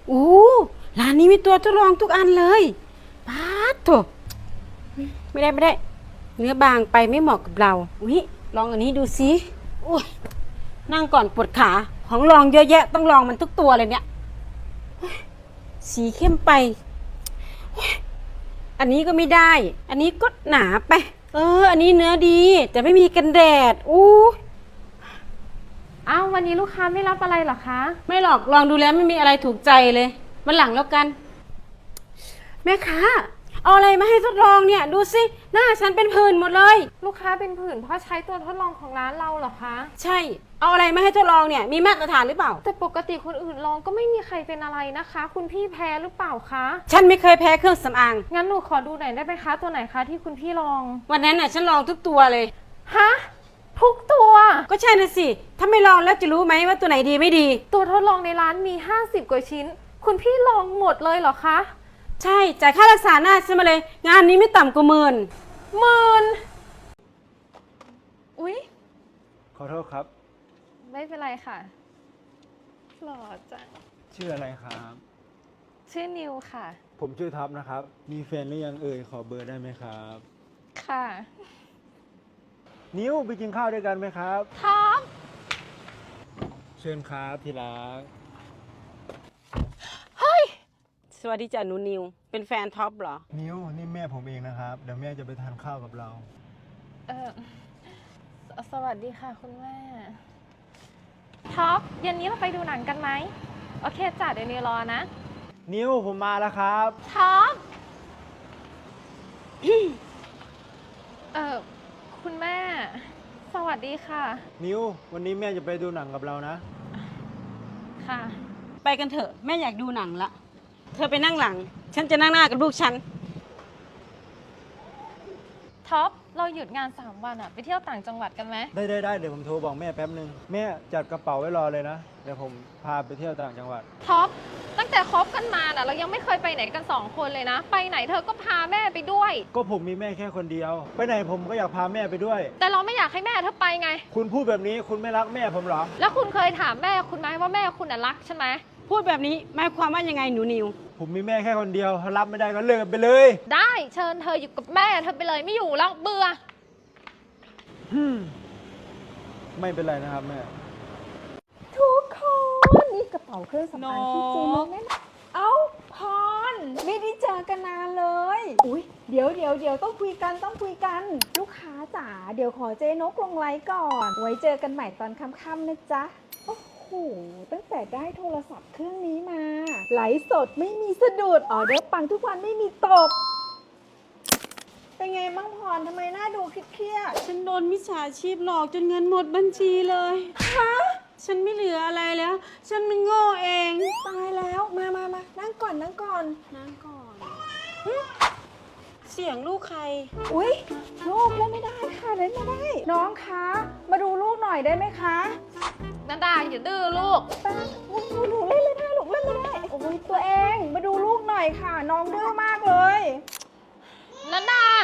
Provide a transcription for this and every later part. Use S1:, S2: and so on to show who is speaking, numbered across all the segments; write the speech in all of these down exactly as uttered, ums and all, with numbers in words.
S1: โอ้ร้านนี้มีตัวทดลองทุกอันเลยป๊าดโถไม่ได้ไม่ได้ เนื้อบางไปไม่เหมาะกับเราอุ้ยลองอันนี้ดูสิอุ้ยนั่งก่อนปวดขาของลองเยอะแยะต้องลองมันทุกตัวเลยเนี่ยสีเข้มไปอันนี้ก็ไม่ได้ อันนี้ก็หนาไปเอออันนี้เนื้อดีแต่ไม่มีกันแดดอู้
S2: อ้าววันนี้ลูกค้าไม่รับอะไรหรอคะ
S1: ไม่หรอกลองดูแล้วไม่มีอะไรถูกใจเลยวันหลังแล้วกันแม่ค้าเอาอะไรมาให้ทดลองเนี่ยดูสิหน้าฉันเป็นผื่นหมดเลย
S2: ลูกค้าเป็นผื่นเพราะใช้ตัวทดลองของร้านเราเหรอคะ
S1: ใช่เอาอะไรมาให้ทดลองเนี่ยมีมาตรฐานหรือเปล่า
S2: แต่ปกติคนอื่นลองก็ไม่มีใครเป็นอะไรนะคะคุณพี่แพ้หรือเปล่าคะ
S1: ฉันไม่เคยแพ้เครื่องสำอาง
S2: งั้นหนูขอดูหน่อยได้ไหมคะตัวไหนคะที่คุณพี่ลอง
S1: วันนั้นน่ะฉันลองทุกตัวเลย
S2: ฮะทุกตัว
S1: ก็ใช่นะสิถ้าไม่ลองแล้วจะรู้ไหมว่าตัวไหนดีไม่ดี
S2: ตัวทดลองในร้านมีห้าสิบกว่าชิ้นคุณพี่ลองหมดเลยเหรอคะ
S1: ใช่จ่ายค่ารักษาหน้าฉันมาเลยงานนี้ไม่ต่ำกว่าหมื่น
S2: หมื่นอุ๊ย
S3: ขอโทษครับ
S2: ไม่เป็นไรค่ะหล่อจัง
S3: ชื่ออะไรครับ
S2: ชื่อนิวค่ะ
S3: ผมชื่อท็อปนะครับมีแฟนหรือยังเอ่ยขอเบอร์ได้ไหมครับ
S2: ค่ะ
S3: นิวไปกินข้าวด้วยกันไหมครับ
S2: ท็อป
S3: เชิญครับที่รัก
S2: เฮ้ย
S1: สวัสดีจ้ะหนูนิวเป็นแฟนท็อปเหรอ
S3: นิวนี่แม่ผมเองนะครับเดี๋ยวแม่จะไปทานข้าวกับเรา
S2: เออสวัสดีค่ะคุณแม่ท็อปเย็นนี้เราไปดูหนังกันไหมโอเคจ้ะเดี๋ยวนิวรอนะ
S3: นิวผมมาแล้วครับ
S2: ท็อปเออคุณแม่สวัสดีค่ะ
S3: นิววันนี้แม่จะไปดูหนังกับเรานะ
S2: ค่ะ
S1: ไปกันเถอะแม่อยากดูหนังละเธอไปนั่งหลังฉันจะนั่งหน้ากับลูกฉัน
S2: ท็อปเราหยุดงานสามวันอะไปเที่ยวต่างจังหวัดกันไหม
S3: ได้ได้ได้เดี๋ยวผมโทรบอกแม่แป๊บนึงแม่จัดกระเป๋าไว้รอเลยนะเดี๋ยวผมพาไปเที่ยวต่างจังหวัด
S2: ท็อปตั้งแต่คบกันมาน่ะเรายังไม่เคยไปไหนกันสองคนเลยนะไปไหนเธอก็พาแม่ไปด้วย
S3: ก็ผมมีแม่แค่คนเดียวไปไหนผมก็อยากพาแม่ไปด้วย
S2: แต่เราไม่อยากให้แม่เธอไปไง
S3: คุณพูดแบบนี้คุณไม่รักแม่ผมเหรอ
S2: แล้วคุณเคยถามแม่คุณไหมว่าแม่คุณน่ะรักใช่ไหม
S1: พูดแบบนี้หมายความว่ายังไงหนูนิว
S3: ผมมีแม่แค่คนเดียวถ้ารับไม่ได้ก็เลิกกันไปเลย
S2: ได้เชิญเธออยู่กับแม่เธอไปเลยไม่อยู่แล้วเบื่อ
S3: ไม่เป็นไรนะครับแม่
S4: ทุกคนนี่กระเป๋าเครื่องสำอางที่เจนกแน่เอ้าพรไม่ได้เจอกันนานเลยอุ้ยเดี๋ยวเดี๋ยวเดี๋ยวต้องคุยกันต้องคุยกันลูกค้าจ๋าเดี๋ยวขอเจนกลงไลน์ก่อนไว้เจอกันใหม่ตอนค่ำๆนะจ๊ะโอ้โหตั้งแต่ได้โทรศัพท์เครื่องนี้มาไลฟ์สดไม่มีสะดุดออเดอร์ปังทุกวันไม่มีตกเป็นไงบ้างพรทำไมหน้าดูเครียด
S1: ฉันโดนมิจฉาชีพหลอกจนเงินหมดบัญชีเลย
S4: ฮะ
S1: ฉันไม่เหลืออะไรแล้ว ฉันมันโง่เอง
S4: ตายแล้วมามามานั่งก่อนนั่งก่อน
S1: นั่งก่อนเสียงลูกใคร
S4: อุ๊ยลูกเล่นไม่ได้ค่ะเล่นไม่ได้น้องคะมาดูลูกหน่อยได้ไหมคะ
S2: นันดาอย่าดื้อลูก
S4: ป้าหนูเล่นไม่ได้ลูกเล่นไม่ได้โอ้ยตัวเองมาดูลูกหน่อยค่ะน้องดื้อมากเลย
S2: นันดา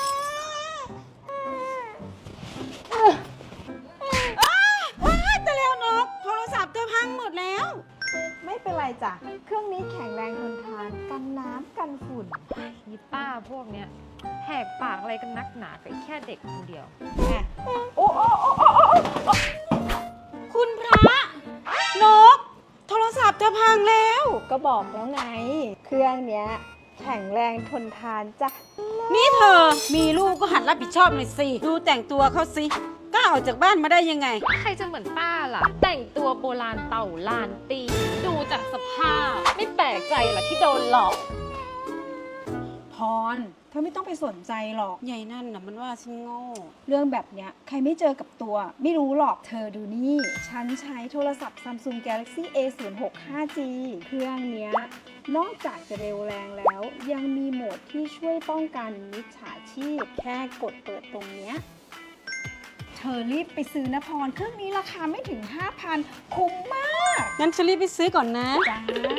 S1: แต่แล้วนกโทรศัพท์เธอพังหมดแล้ว
S4: ไม่เป็นไรจ้ะเครื่องนี้แข็งแรงทนทานกันน้ำกันฝุ่น
S2: ยีป้าพวกเนี้ยแหกปากอะไรกันนักหนากับแค่เด็กคนเดียว
S4: โอ้โอ้โอ้โอ้โอ้
S1: คุณพระนกโทรศัพท์เธอพังแล้ว
S4: ก็บอกแล้วไงเครื่องเนี้ยแข็งแรงทนทานจ้ะ
S1: นี่เธอมีลูกก็หัดรับผิดชอบหน่อยสิดูแต่งตัวเขาสิกล้าออกจากบ้านมาได้ยังไง
S2: ใครจะเหมือนป้าล่ะแต่งตัวโบราณเต่าลานตีดูจากสภาพไม่แปลกใจล่ะที่โดนหลอก
S4: พรเธอไม่ต้องไปสนใจหรอก
S1: ใหญ่นั่นน่ะมันว่าฉันโง่
S4: เรื่องแบบเนี้ยใครไม่เจอกับตัวไม่รู้หรอกเธอดูนี่ฉันใช้โทรศัพท์ Samsung Galaxy เอ ศูนย์ หก ห้า จี เครื่องเนี้ยนอกจากจะเร็วแรงแล้วยังมีโหมดที่ช่วยป้องกันมิจฉาชีพแค่กดเปิดตรงเนี้ยเธอรีบไปซื้อนะพรเครื่องนี้ราคาไม่ถึง ห้าพัน คุ้มมาก
S1: งั้นฉันรีบไปซื้อก่อนนะ
S4: จ้า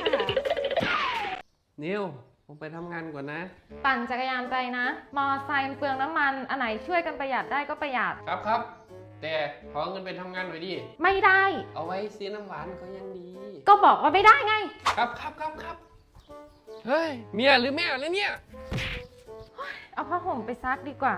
S5: นิวผมไปทำงานก่อนนะ
S2: ปั่นจักรยานไปนะมอไซค์เปลืองน้ำมันอันไหนช่วยกันประหยัดได้ก็ประหยัด
S5: ครับครับแต่ขอเงินไปทำงานหน่อยดิ
S2: ไม่ได้
S5: เอาไว้ซื้อน้ำหวานก็ยังดี
S2: ก็บอกว่าไม่ได้ไง
S5: ครับครับครับครับเฮ้ย เมียหรือแม่แล้วเนี่ย
S2: เอาผ้าห่มไปซักดีกว่า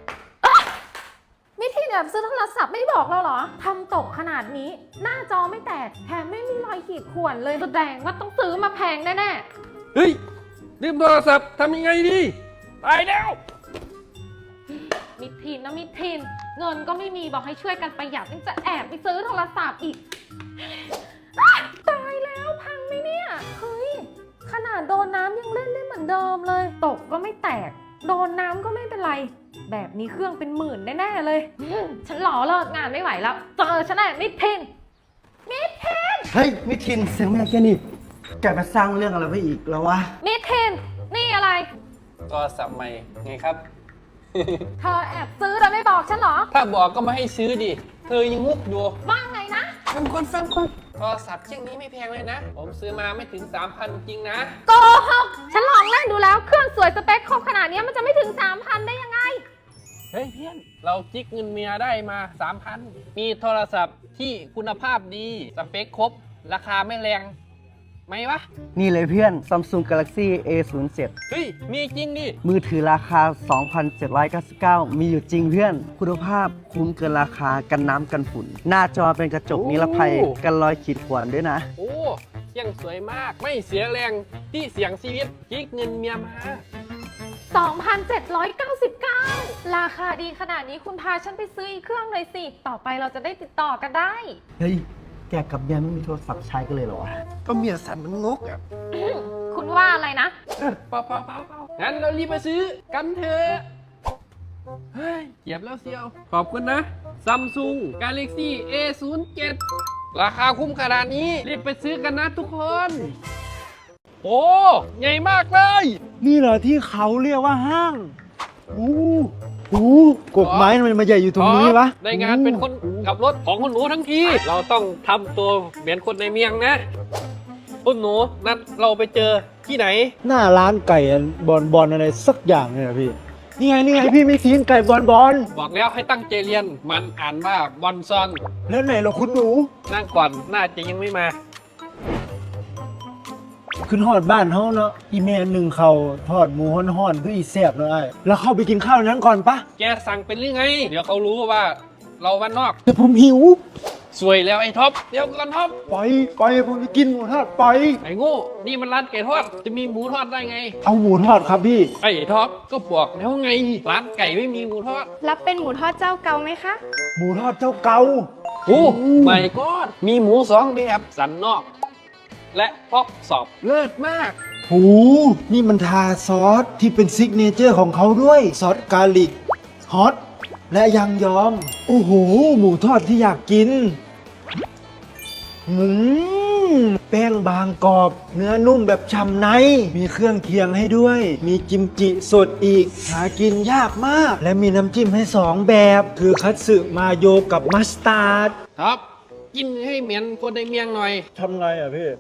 S2: มิทีเนี่ยซื้อโทรศัพท์ไม่ได้บอกเราเหรอทำตกขนาดนี้ หน้าจอไม่แตกแถมไม่มีรอยขีดข่วนเลยแสดงว่าต้องซื้อมาแพงแน่ๆ
S5: เฮ้ย ลืมโทรศัพท์ทำยังไงดีตายแล้ว
S2: มิทีนนะมิทีนเงินก็ไม่มีบอกให้ช่วยกันประหยัดยังจะแอบไปซื้อโทรศัพท์อีกอ๊ะตายแล้วพังไหมเนี่ยเฮ้ยขนาดโดนน้ำยังเล่นได้เหมือนเดิมเลย ตกก็ไม่แตกโดนน้ำก็ไม่เป็นไรแบบนี้เครื่องเป็นหมื่นแน่ๆเลยอืมฉันหล่อเลิกงานไม่ไหวแล้วเจอฉันแน่มิทีนมิทีน
S6: เฮ้ยมิทินเสียงแม่แกนี่แกมาสร้างเรื่องอะไรไปอีกแล้ววะ
S2: มิทีนนี่อะไร
S5: โทรศัพท์ใหม่ไงครับ
S2: เธอแอบซื้อแล้วไม่บอกฉันเหรอ
S5: ถ้าบอกก็ไม่ให้ซื้อดิ เธอยังงุกอยู่
S2: ว่าไงนะ
S5: ฟังคนฟังคนโทรศัพท์เช่นนี้ไม่แพงเลยนะ ผมซื้อมาไม่ถึง สามพัน จริงนะ
S2: โกหกฉันลองเล่นดูแล้วเครื่องสวยสเปคครบขนาดนี้มันจะไม่ถึง สามพัน ได้ยังไง
S5: เฮ้ยเพี้ยน เราจิกเงินเมียได้มา สามพัน มีโทรศัพท์ที่คุณภาพดี สเปคครบ ราคาไม่แรงไหมวะ
S6: นี่เลยเพื่อน Samsung Galaxy เอ ศูนย์ เจ็ด
S5: เฮ้ย มีจริงดิ
S6: มือถือราคา สองพันเจ็ดร้อยเก้าสิบเก้า มีอยู่จริงเพื่อน คุณภาพคุ้มเกินราคากันน้ำกันฝุ่น หน้าจอเป็นกระจกนิรภัยกันรอยขีดข่วนด้วยนะ
S5: โอ้เที่ยงสวยมาก ไม่เสียแรงที่เสียงชีวิตจิกเงินเมียมา
S2: สองพันเจ็ดร้อยเก้าสิบเก้า ราคาดีขนาดนี้คุณพาฉันไปซื้ออีกเครื่องเลยสิ ต่อไปเราจะได้ติดต่อกันได้
S6: เฮ้ย แกกับเมียไม่มีโทรศัพท์ใช้กันเลยเหรอวะ
S5: ก็เมียสันมันงกอ่ะ
S2: คุณว่าอะไรนะ
S5: เปล่าเปล่าเปล่าเปล่างั้นเรารีบไปซื้อกันเถอะเฮ้ยเหยียบแล้วเซียว ขอบคุณนะ Samsung Galaxy เอ ศูนย์ เจ็ด ราคาคุ้มขนาดนี้ รีบไปซื้อกันนะทุกคน โอ้ใหญ่มากเลย
S3: นี่เหรอที่เขาเรียกว่าห้างโอ้โหกกไม้ทำไมมาใหญ่อยู่ตรงนี้วะ
S5: ในงานเป็นคนขับรถของคุณหนูทั้งที เราต้องทำตัวเหมือนคนในเมียงนะ คุณหนูนัดเราไปเจอที่ไหน
S3: หน้าร้านไก่บอลบอลอะไรสักอย่างเนี่ยนะพี่ นี่ไงนี่ไงพี่ไม่ทิ้งไก่บอลบอล
S5: บอกแล้วให้ตั้งใจเรียน มันอ่านว่าบอนซอน
S3: แล้วไหนเราคุณหนู
S5: นั่งก่อน น่าจะยังไม่มา
S3: ขึ้นหอดบ้านเขาเนาะอีเมลหนึ่งเขาทอดหมูห่อนๆคืออีแซ่บเลยไอ้แล้วเข้าไปกินข้าวนั้นก่อนปะ
S5: แกสั่งเป็นหรือไง เดี๋ยวเขารู้ว่าเราบ้านนอก
S3: แต่ผมหิว
S5: สวยแล้วไอ้ท็อป เดี๋ยวก่อนท็อป
S3: ปล่อยปล่อยผมจะกินหมูทอดปล่อย
S5: ไอ้โง่นี่มันร้านไก่ทอด จะมีหมูทอดได้ไง
S3: เอาหมูทอดครับพี่
S5: ไอ้ท็อป ก็บอกแล้วไง ร้านไก่ไม่มีหมูทอด
S7: รับเป็นหมูทอดเจ้าเก่าไหมคะ
S3: หมูทอดเจ้าเก่า
S5: โอ้ไม่ก็มีหมูสองแบบสันนอก และป๊อปสอบเลิศมาก
S3: โหนี่มันทาซอสที่เป็นซิกเนเจอร์ของเขาด้วย ซอสกาลิกฮอตและยังยอม โอ้โห หมูทอดที่อยากกินอืมแป้งบางกรอบ เนื้อนุ่มแบบฉ่ำใน มีเครื่องเคียงให้ด้วย มีกิมจิสดอีก หากินยากมาก และมีน้ำจิ้มให้สองแบบ คือคัตสึมาโยกับมัสตาร์ด
S5: ท็อป กินให้เหมือนคนในเมียงหน่อย
S3: ทำไงอ่ะพี่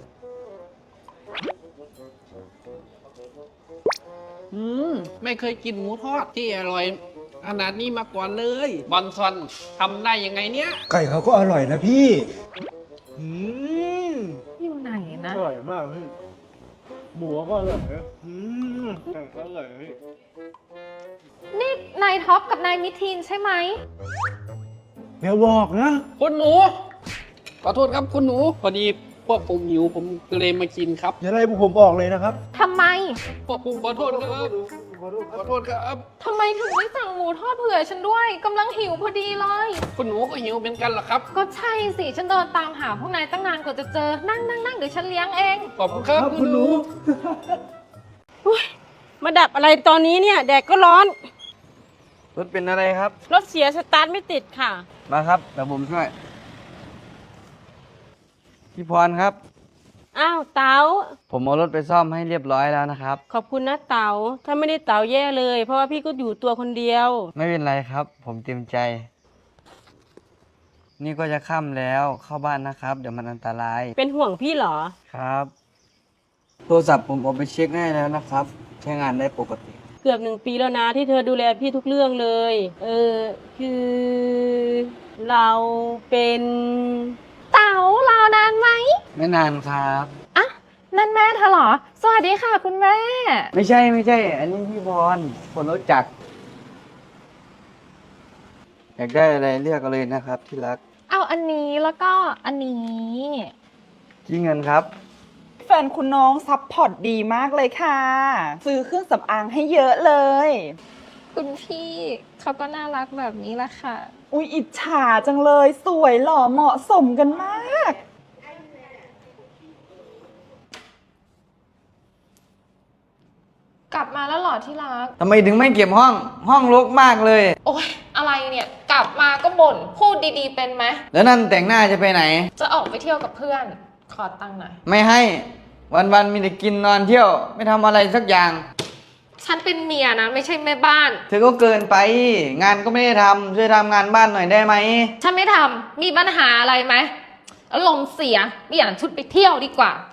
S5: อืม ไม่เคยกินหมูทอดที่อร่อยขนาดนี้มาก่อนเลย บอนซอนทำได้ยังไงเนี้ย
S3: ไก่เขาก็อร่อยนะพี่อืม
S2: อยู่ไหนนะ
S3: อร่อยมากพี่หมูก็อร่อยนะอืมไก่ก็อร่อยพี่
S2: นี่นายท็อปกับนายมิทีนใช่ไหม
S3: อย่าบอกนะ
S5: คุณหนู ขอโทษครับคุณหนู พอดีพวกผมหิวผมก็เลยมากินครับ
S3: อย่าไล่พวกผมออกเลยนะครับ
S2: ทำไม
S5: พวกผมขอโทษครับ ขอโทษครับ
S2: ทำไมถึงไม่สั่งหมูทอดเผื่อฉันด้วยกำลังหิวพอดีเลย
S5: คุณหนูก็หิวเป็นกันเหรอครับ
S2: ก็ใช่สิ ฉันเดินตามหาพวกนายตั้งนานกว่าจะเจอ นั่งนั่งนั่งเดี๋ยวฉันเลี้ยงเอง
S5: ขอบคุณครับ
S3: ครับ
S5: คุณหนู
S1: มาดับอะไรตอนนี้เนี่ย แดดก็ร้อน
S6: รถเป็นอะไรครับ
S1: รถเสียสตาร์ทไม่ติดค่ะ
S6: มาครับเดี๋ยวผมช่วย พี่พรครับ
S1: อ้าวเต๋า
S6: ผมเอารถไปซ่อมให้เรียบร้อยแล้วนะครับ
S1: ขอบคุณนะเต๋าถ้าไม่ได้เต๋าแย่เลย เพราะว่าพี่ก็อยู่ตัวคนเดียว
S6: ไม่เป็นไรครับ ผมเต็มใจ นี่ก็จะค่ำแล้วเข้าบ้านนะครับ เดี๋ยวมันอันตราย
S1: เป็นห่วงพี่เหรอ
S6: ครับ โทรศัพท์ผมเอาไปเช็คให้แล้วนะครับ ใช้งานได้ปกติ
S1: เกือบหนึ่งปีแล้วนะที่เธอดูแลพี่ทุกเรื่องเลย เออ คือ เราเป็น
S2: เต๋าเอารอนานไหม
S6: ไม่นานครับ
S2: อ่ะนั่นแม่เธอเหรอ สวัสดีค่ะคุณแม่
S6: ไม่ใช่ไม่ใช่ อันนี้พี่บอลคนรู้จัก อยากได้อะไรเลือกเอาเลยนะครับที่รัก
S2: เอาอันนี้แล้วก็อันนี้
S6: กี่เงินครับ
S4: แฟนคุณน้องซัพพอร์ตดีมากเลยค่ะ ซื้อเครื่องสำอางให้เยอะเลย
S2: คุณพี่เขาก็น่ารักแบบนี้แหละค่ะ
S4: อุ๊ยอิจฉาจังเลยสวยหล่อเหมาะสมกันมาก
S2: กลับมาแล้วเหรอที่รัก
S6: ทำไมถึงไม่เก็บห้อง ห้องรกมากเลย
S2: โอ๊ยอะไรเนี่ยกลับมาก็บ่นพูดดีๆเป็นไหม
S6: แล้วนั่นแต่งหน้าจะไปไหน
S2: จะออกไปเที่ยวกับเพื่อน ขอตังค์หน่อย
S6: ไม่ให้ วันๆมีแต่กินนอนเที่ยว ไม่ทำอะไรสักอย่าง
S2: ฉันเป็นเมียนะไม่ใช่แม่บ้าน
S6: เธอก็เกินไป งานก็ไม่ได้ทำช่วยทำงานบ้านหน่อยได้ไหม
S2: ฉันไม่ทำมีปัญหาอะไรไหมอารมณ์เสียเปลี่ยนชุดไปเที่ยวดีกว่า